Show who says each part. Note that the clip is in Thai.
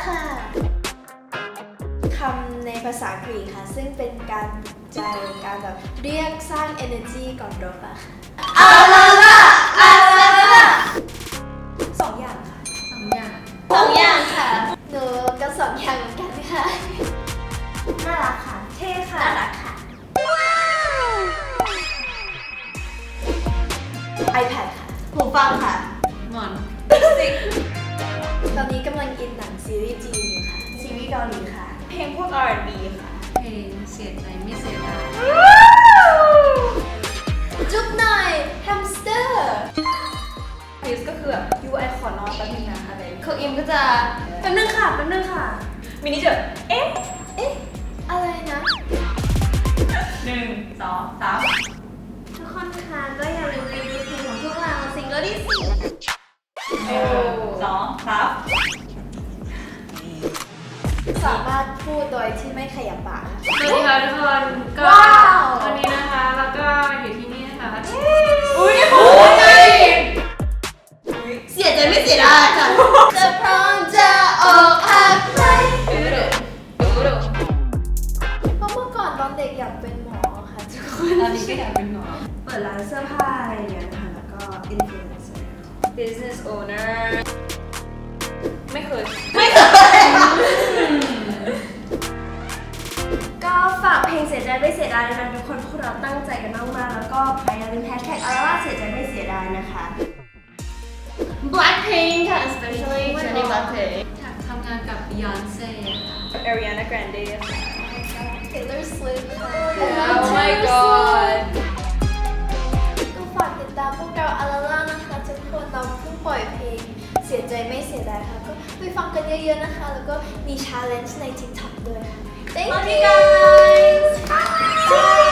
Speaker 1: ค่ะคำในภาษากรีกค่ะซึ่งเป็นการใจการแบบเรียกสร้าง energy ก่อนรบอะค่ะอาลาลาอาลาลาสองอย่างค่ะ
Speaker 2: สองอย่าง
Speaker 1: สองอย่างค่ะหนูก็สองอย่างเหมือนกันค่ะน่ารักค่ะเท่ค่ะน่ารักค่ะ iPad ค่ะหูฟังค่ะ
Speaker 2: หมอน
Speaker 1: ตอนนี้กำลังอินหนังซีรีส์จีนอยู่ค่ะซีรีส์เกาหลีค่ะเพลงพวก R&B ค่ะ
Speaker 2: เพลงเสียใจไม่เสียดาย
Speaker 1: จุ๊บหน่อยแฮมสเตอร์
Speaker 3: พีซก็คือแบบยูไอขอนอนแป๊บนึงนะอะไรคืออิมก็จะ
Speaker 1: แป๊บนึงค่ะแป๊บนึงค่ะ
Speaker 3: มินิจะเอ๊ะ
Speaker 1: เอ๊ะ อะไรนะ
Speaker 3: 1 2 3
Speaker 1: ทุกคนคะก็อย่าลืมรีวิวเพลงของพวกเราซิงเกิลที่สี่
Speaker 3: 1 2 3
Speaker 1: สามารถพูดโดยที่ไม่ขยับปาก
Speaker 2: สวัสดีค่ะทุกคนก็
Speaker 1: ว้าว
Speaker 2: วันนี้นะคะแล้วก็อยู่ที่นี่นะคะ
Speaker 3: อุ้ยโอ้ย
Speaker 1: เสียใจไม่เสียดายค่ะจะพร้อมจะออกหักไหม
Speaker 3: ดู
Speaker 1: เพราะเมื่อก่อนตอนเด็กอยากเป็นหมอค่ะทุกคน
Speaker 3: ตอนนี้ก็อยากเป็นหมอ
Speaker 4: เปิดร้านเสื้อผ้าอะไรอย่างเงี้ยนะคะแล้วก็อินฟลูเอนเซอร์
Speaker 3: business owner ไม่เคย
Speaker 4: ก็ฝากเพลงเสียใจไม่เสียดายนะคะทุกคนพวกเราตั้งใจกันมากๆแล้วก็พยายามลืมแฮชแท็กอะไรว่าเสียใจไม่เสียดายนะคะ
Speaker 1: Blackpink ค่ะ especially Jennie Blackpink
Speaker 2: ทำงานกับ Beyonce ค่ะ
Speaker 3: Ariana Grande ค่ะ
Speaker 1: Taylor Swift ค่ะ
Speaker 3: Oh my god
Speaker 1: ก็ฝากติดตามพวกเราอาราล่านะคะทุกคนเราเพิ่งปล่อยเพลงเสียใจไม่เสียดายค่ะก็ไปฟังกันเยอะๆนะคะ แล้วก็มี challenge ใน TikTok ด้วยค่ะ Thank you guys